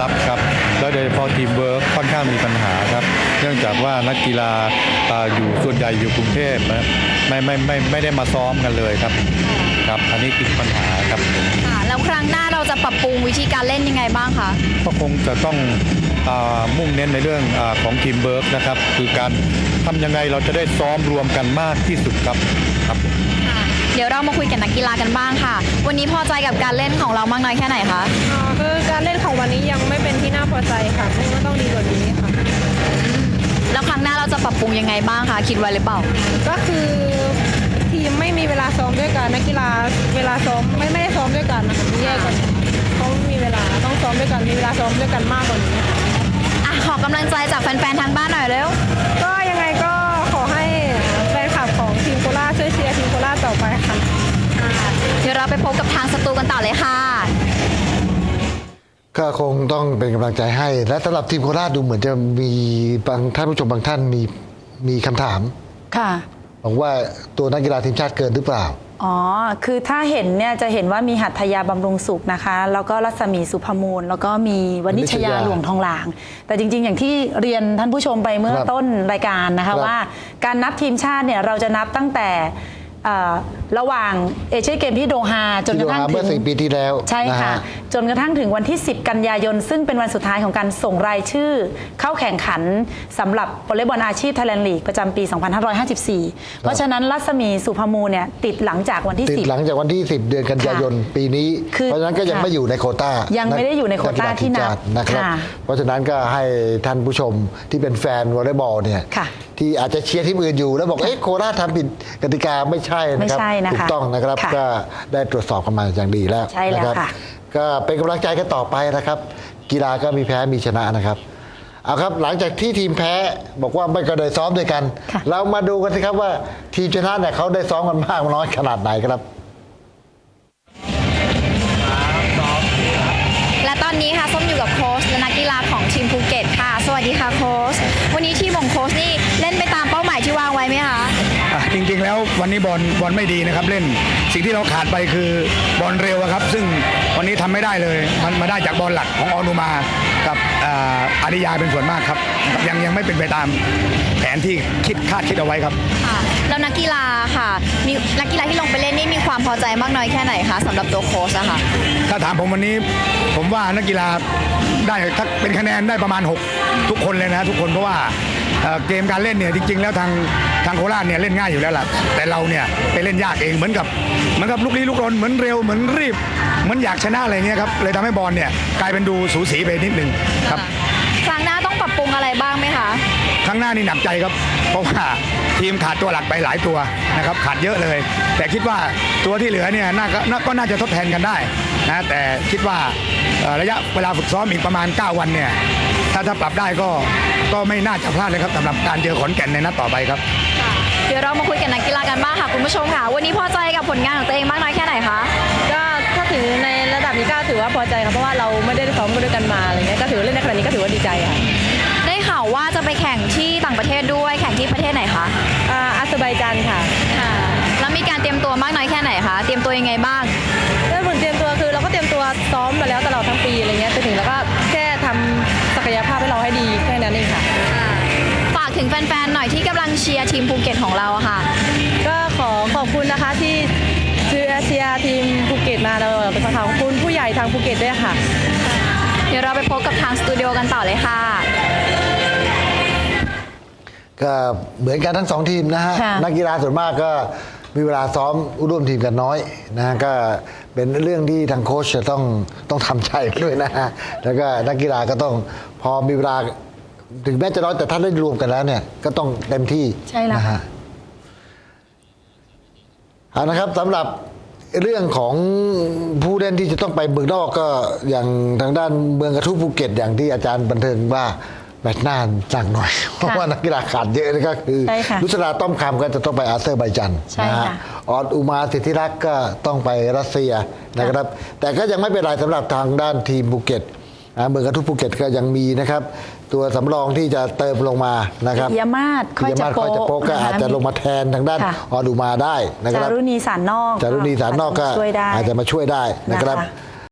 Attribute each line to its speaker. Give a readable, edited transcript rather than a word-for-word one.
Speaker 1: ครับแล้วโดยเฉพาะทีมเวิร์คค่อนข้างมีปัญหาครับเนื่องจากว่านักกีฬาอยู่ส่วนใหญ่อยู่กรุงเทพนะไม่ได้มาซ้อมกันเลยครับครับอันนี้คือปัญหาครับ
Speaker 2: ค่ะแล้วครั้งหน้าเราจะปรับปรุงวิธีการเล่นยังไงบ้างคะ
Speaker 1: ก็คงจะต้องมุ่งเน้นในเรื่องของทีมเวิร์คนะครับคือการทำยังไงเราจะได้ซ้อมรวมกันมากที่สุดครับครับ
Speaker 2: เดี๋ยวเรามาคุยกับนักกีฬากันบ้างค่ะวันนี้พอใจกับการเล่นของเรามากน้อยแค่ไหนคะ
Speaker 3: คือการเล่นของวันนี้ยังไม่เป็นที่น่าพอใจค่ะก็ต้องดีกว่านี้ค่ะ
Speaker 2: แล้วครั้งหน้าเราจะปรับปรุงยังไงบ้างคะคิดไว้หรือเปล่า
Speaker 3: ก็คือทีมไม่มีเวลาซ้อมด้วยกันนักกีฬาเวลาซ้อมไม่ได้ซ้อมด้วยกันนะคะแยกกันเขามีเวลาต้องซ้อมด้วยกันมีเวลาซ้อมด้วยกันมากกว่านี้
Speaker 2: ขอกำลังใจจากแฟนๆทางบ้านหน่อยเร็ว
Speaker 3: ก็ยังไงก็ขอให้แฟนคลับของทีมโคราชช่วยเชียร์ทีมโคราชต่อไปค่ะ
Speaker 2: เดี๋ยวเราไปพบกับทางสตูกันต่อเลยค่ะ
Speaker 4: ก็คงต้องเป็นกำลังใจให้และสำหรับทีมโคราชดูเหมือนจะมีบางท่านผู้ชมบางท่านมีคำถาม
Speaker 5: ค่ะ
Speaker 4: บอกว่าตัวนักกีฬาทีมชาติเกินหรือเปล่า
Speaker 5: อ๋อคือถ้าเห็นเนี่ยจะเห็นว่ามีหัตถยาบำรุงสุขนะคะแล้วก็รัศมีสุภมูลแล้วก็มีวณิชยาหลวงทองหลางแต่จริงๆอย่างที่เรียนท่านผู้ชมไปเมื่อต้นรายการนะคะว่าการนับทีมชาติเนี่ยเราจะนับตั้งแต่ระหว่างเอเชียนเกมที่โดฮาจนกระทั่งถึง
Speaker 4: เมื่อ4 ปีที่แล้ว
Speaker 5: ใช่ค่ะจนกระทั่งถึงวันที่10 กันยายนซึ่งเป็นวันสุดท้ายของการส่งรายชื่อเข้าแข่งขันสำหรับวอลเลย์บอลอาชีพไทยแลนด์ลีกประจำปี 2554 เพราะฉะนั้นรัศมีสุภมูลเนี่ยติดหลังจากวันที่10
Speaker 4: หลังจากวันที่10เดือนกันยายนปีนี้เพราะฉะนั้นก็ยังไม่อยู่ในโควต้า
Speaker 5: ยังไม่ได้อยู่ในโควต้าที่นับ
Speaker 4: นะครับเพราะฉะนั้นก็ให้ท่านผู้ชมที่เป็นแฟนวอลเลย์บอลเนี่ยที่อาจจะเชียร์ทีมอื่นอยู่แล้วบอกเอ๊ะโคราชทำผิดกติกาไม่ใช่นะครับถูกต้องนะครับก็ได้ตรวจสอบกันมาอย่างดีแล้วนะครับก็เป็นกำลังใจกันต่อไปนะครับกีฬาก็มีแพ้มีชนะนะครับเอาครับหลังจากที่ทีมแพ้บอกว่าไม่ก็ได้ซ้อมด้วยกันเรามาดูกันสิครับว่าทีมชนะเนี่ยเขาได้ซ้อมกันมากน้อยขนาดไหนครับ
Speaker 2: และตอนนี้ค่ะส้มอยู่กับโค้ชและนักกีฬาของทีมภูเก็ตค่ะสวัสดีค่ะโค้ชวันนี้ทีมของโค้ชนี่เล่นไปตามเป้าหมายที่วางไว้ไหมคะ
Speaker 6: จริงๆแล้ววันนี้บอลไม่ดีนะครับเล่นสิ่งที่เราขาดไปคือบอลเร็วครับซึ่งวันนี้ทำไม่ได้เลยมันมาได้จากบอลหลักของออนุมากับอาริยาเป็นส่วนมากครับยังไม่เป็นไปตามแผนที่คาดคิดเอาไว้ครับ
Speaker 2: แล้วนักกีฬาค่ะมีนักกีฬาที่ลงไปเล่นนี่มีความพอใจมากน้อยแค่ไหนคะสำหรับตัวโค้ชอะค่ะ
Speaker 6: ถ้าถามผมวันนี้ผมว่านักกีฬาได้ถ้าเป็นคะแนนได้ประมาณ6ทุกคนเลยนะทุกคนเพราะว่าเกมการเล่นเนี่ยจริงๆแล้วทางโคราชเนี่ยเล่นง่ายอยู่แล้วล่ะแต่เราเนี่ยไปเล่นยากเองเหมือนกับลุกลี้ลุกลนเหมือนเร็วเหมือนรีบเหมือนอยากชนะอะไรเงี้ยครับเลยทำให้บอลเนี่ยกลายเป็นดูสูสีไปนิดนึงครับ
Speaker 2: ครั้งหน้าต้องปรับปรุงอะไรบ้างไหมคะ
Speaker 6: ครั้งหน้านี่หนักใจครับเพราะว่าทีมขาดตัวหลักไปหลายตัวนะครับขาดเยอะเลยแต่คิดว่าตัวที่เหลือเนี่ยก็น่าจะทดแทนกันได้นะแต่คิดว่าระยะเวลาฝึกซ้อมอีกประมาณ9 วันเนี่ยถ้าปรับได้ก็ไม่น่าจะพลาดเลยครับสำหรับการเจอขอนแก่นในนัดต่อไปครับ
Speaker 2: เดี๋ยวเรามาคุยกับนักกีฬากันบ้างค่ะคุณผู้ชมค่ะวันนี้พอใจกับผลงานของตัวเองมากน้อยแค่ไหนคะ
Speaker 3: ก็ถ้าถึงในระดับนี้ก็ถือว่าพอใจครับเพราะว่าเราไม่ได้ซ้อมกันด้วยกันมาอะไรเงี้ยก็ถือเล่นในขณะนี้ก็ถือว่าดีใจค่ะ
Speaker 2: ได้ข่าวว่าจะไปแข่งที่ต่างประเทศด้วยแข่งที่ประเทศไหนคะ
Speaker 3: อาเซอร์ไบจานค่ะ
Speaker 2: แล้วมีการเตรียมตัวมากน้อยแค่ไหนคะเตรียมตัวยังไงบ้าง
Speaker 3: ผลเตรียมตัวคือเราก็เตรียมตัวซ้อมมาแล้วตลอดทั้งปีอะไรเงี้ยถึงแล้วก็แค่ทำศักยภาพให้เราให้ดีแค่นั้นเองค่ะ
Speaker 2: ฝากถึงแฟนๆหน่อยที่กำลังเชียร์ทีมภูเก็ตของเราค่ะ
Speaker 3: ก็ขอบคุณนะคะที่เชียร์ทีมภูเก็ตมาเราเป็นขอบคุณผู้ใหญ่ทางภูเก็ตด้วยค่ะ
Speaker 2: เดี๋ยวเราไปพบกับทางสตูดิโอกันต่อเลยค่ะ
Speaker 4: ก็เหมือนกันทั้ง2 ทีมนะฮะนักกีฬาส่วนมากก็มีเวลาซ้อมร่วมทีมกันน้อยนะก็เป็นเรื่องที่ทางโค้ชจะต้องทำใจด้วยนะฮะแล้วก็นักกีฬาก็ต้องพอมีเวลาถึงแม้จะน้อยแต่ถ้าได้รวมกันแล้วเนี่ยก็ต้องเต็มที่นะฮะเอานะครับสำหรับเรื่องของผู้เล่นที่จะต้องไปเมืองนอกก็อย่างทางด้านเมืองกระทู้ภูเก็ตอย่างที่อาจารย์บันเทิงว่าแมตช์หน้าหนักหน่อยเพราะว่านักกีฬาขาดเยอะนะก็คือนุชราต้อมคำก็จะต้องไปอาเซอร์ไบจันนะฮะออดอุมาสิทธิรักษ์ก็ต้องไปรัสเซียนะครับแต่ก็ยังไม่เป็นไรสำหรับทางด้านทีมภูเก็ตเมืองกระทู้ภูเก็ตก็ยังมีนะครับตัวสำรองที่จะเติมลงมานะครับ
Speaker 5: ปิยมาศค่อยจะโป
Speaker 4: ก็อาจจะลงมาแทนทางด้านออดูมาได้นะครับ
Speaker 5: จารุณีสารนอก
Speaker 4: ก็อาจจะมาช่วยได้นะครับ